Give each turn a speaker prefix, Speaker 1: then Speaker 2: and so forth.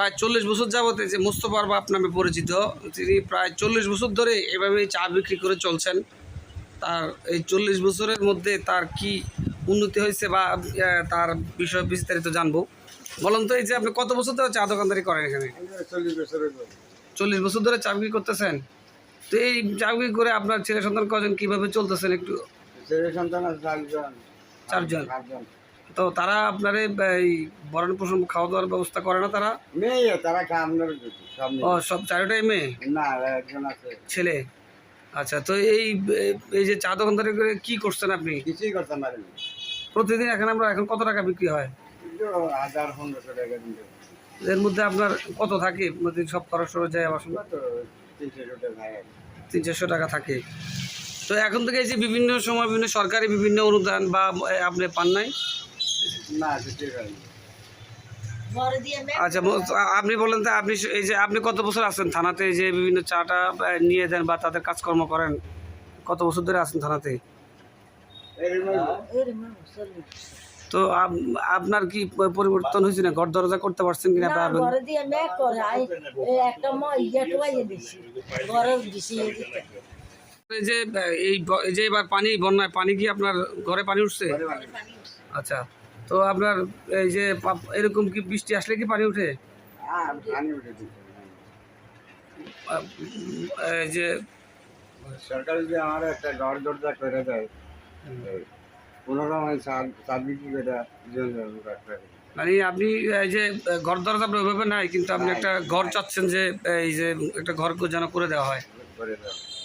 Speaker 1: প্রায় 40 বছর যাবতে যে মোস্তফা আরবাব নামে পরিচিত, তিনি প্রায় 40 বছর ধরে এভাবে চা বিক্রি করে চলছেন। তার এই 40 বছরের মধ্যে তার কি উন্নতি হয়েছে বা তার বিষয়ে বিস্তারিত জানবো। বলুন তো, এই যে আপনি কত বছর ধরে চা দোকানদারি করেন এখানে? 40 বছর ধরে চা বিক্রি করতেছেন। তো এই চা বিক্রি করে আপনার ছেলে সন্তান কজন, কীভাবে চলতেছেন একটু?
Speaker 2: ছেলে সন্তান আছে
Speaker 1: 4 জন। তো তারা আপনার এই ভরণ পোষণ খাওয়া দাওয়ার ব্যবস্থা করে না তারা?
Speaker 2: মেয়ে, তারা আপনার সব
Speaker 1: ও, সব 4টাই মেয়ে?
Speaker 2: না, একজন আছে
Speaker 1: ছেলে। আচ্ছা, তো এই যে চা দোকানদারি করে কি করছেন আপনি?
Speaker 2: কিছুই করতে পারেন।
Speaker 1: প্রতিদিন এখানে আমরা এখন কত টাকা বিক্রি হয়?
Speaker 2: 1000-1500 টাকা দিতে।
Speaker 1: এর মধ্যে আপনার কত থাকে প্রতিদিন? সব খরচ টরচ যায় আবার শুনবো
Speaker 2: তো 300 টাকা ভাই।
Speaker 1: 300-400 টাকা থাকে। তো এখন থেকে এই যে বিভিন্ন সময় বিভিন্ন সরকারি বিভিন্ন অনুদান বা আপনি পান নাই?
Speaker 2: না, কিছুই হয়নি।
Speaker 1: আচ্ছা, আপনি বলেন তো, আপনি এই যে আপনি কত বছর আছেন থানাতে, এই যে বিভিন্ন চাটা নিয়ে দেন বা তাদের কাজকর্ম করেন, কত বছর ধরে আছেন থানাতে? তো আপনার কি পরিবর্তন হয়েছে না? ঘর দরজা করতে পারছেন কিনা? এই যে এই যে এবার বন্যায় পানি কি আপনার ঘরে পানি উঠছে? আচ্ছা, তো আপনার এই যে এরকম কি বৃষ্টি আসলে কি পানি উঠে? এই যে
Speaker 2: সরকার যদি আমার একটা ঘর দরজা করে দেয়, 15 চাল বিক্রি করে
Speaker 1: মানে আপনি এই যে ঘর দরজা আপনার ওইভাবে নাই, কিন্তু আপনি একটা ঘর চাচ্ছেন যে এই যে একটা ঘর যেন করে দেওয়া হয়।